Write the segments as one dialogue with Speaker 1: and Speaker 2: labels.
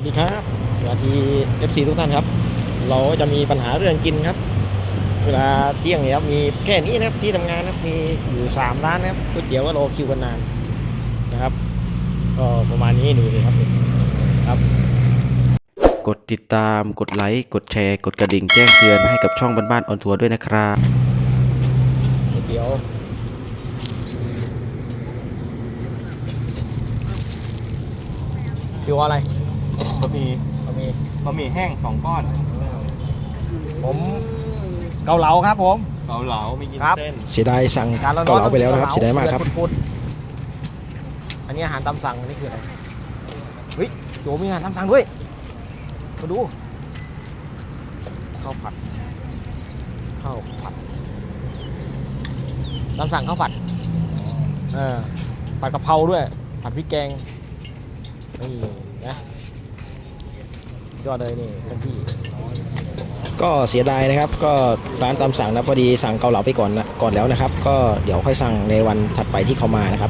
Speaker 1: สดีครับสวัสดี FC ทุกท่านครับเราจะมีปัญหาเรื่องกินครับเวลาเที่ยงเนี่ยครับมีแค่นี้นะครับที่ทำงานนะครับมีอยู่3ร้านนะครับก๋วยเตี๋ยวก็รอคิวกันนานนะครับก็ประมาณนี้ดูเลยครับครับ
Speaker 2: กดติดตามกดไลค์กดแชร์กดกระดิ่งแจ้งเตือนให้กับช่องบ้านๆออนทัวร์ด้วยนะครับ
Speaker 1: ก๋วยเตี๋ยวคิวอะไร
Speaker 3: บะหมี่
Speaker 1: บะหมี่
Speaker 3: บะหมี่แห้ง2 ก้อน
Speaker 1: ผมเกาเหลาครับผม
Speaker 3: เกาเหลาไม่กิน
Speaker 1: ครับ
Speaker 3: เส้น
Speaker 1: เสียดายสั่งเกาเหลาไปแล้วนะครับเสียดายมากครับอันนี้อาหารตามสั่งนี่คืออะไรเฮ้ยโจมีอาหารตามสั่งด้วยมาดูข้าวผัดตามสั่งข้าวผัดผัดกะเพราด้วยผัดพริกแกงนี่นะยอดเลยนี่เพื่อนพี่ก็เสียดายนะครับก็ร้านตามสั่งนะพอดีสั่งเกาเหลาไปก่อนแล้วนะครับก็เดี๋ยวค่อยสั่งในวันถัดไปที่เขามานะครับ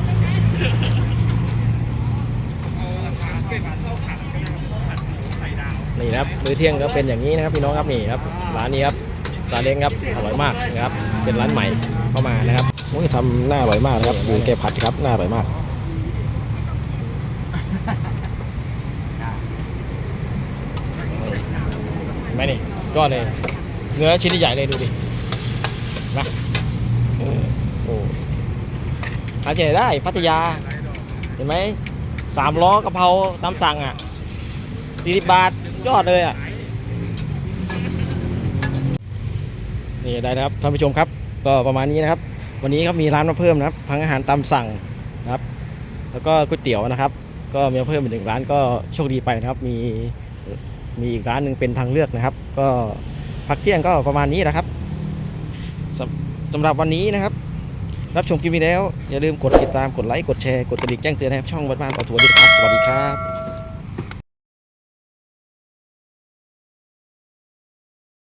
Speaker 1: นี่นะครับมื้อเที่ยงก็เป็นอย่างนี้นะครับพี่น้องครับนี่ครับร้านนี้ครับซาเล้งครับอร่อยมากนะครับเป็นร้านใหม่เข้ามานะครับโอ้ยทำหน้าอร่อยมากนะครับดูแกผัดครับหน้าอร่อยมากไหมนี่ยอดเลยเนื้อชิ้นใหญ่เลยดูดินะโอ้หาที่ไหนได้พัทยาเห็นไหม3 ล้อกะเพราตามสั่งอ่ะ40 บาทยอดเลยอ่ะนี่ได้นะครับท่านผู้ชมครับก็ประมาณนี้นะครับวันนี้ครับมีร้านมาเพิ่มนะครับทั้งอาหารตามสั่งนะครับแล้วก็ก๋วยเตี๋ยวนะครับก็มีเพิ่มอีก1 ร้านก็โชคดีไปนะครับมีอีกร้านหนึ่งเป็นทางเลือกนะครับก็พักเที่ยงก็ประมาณนี้นะครับสำหรับวันนี้นะครับรับชมคลิปนี้แล้วอย่าลืมกดติดตามกดไลค์กดแชร์กดกระดิ่งแจ้งเตือนให้ช่องบ้านๆออนทัวร์ด้วยครับสวัสดีครับ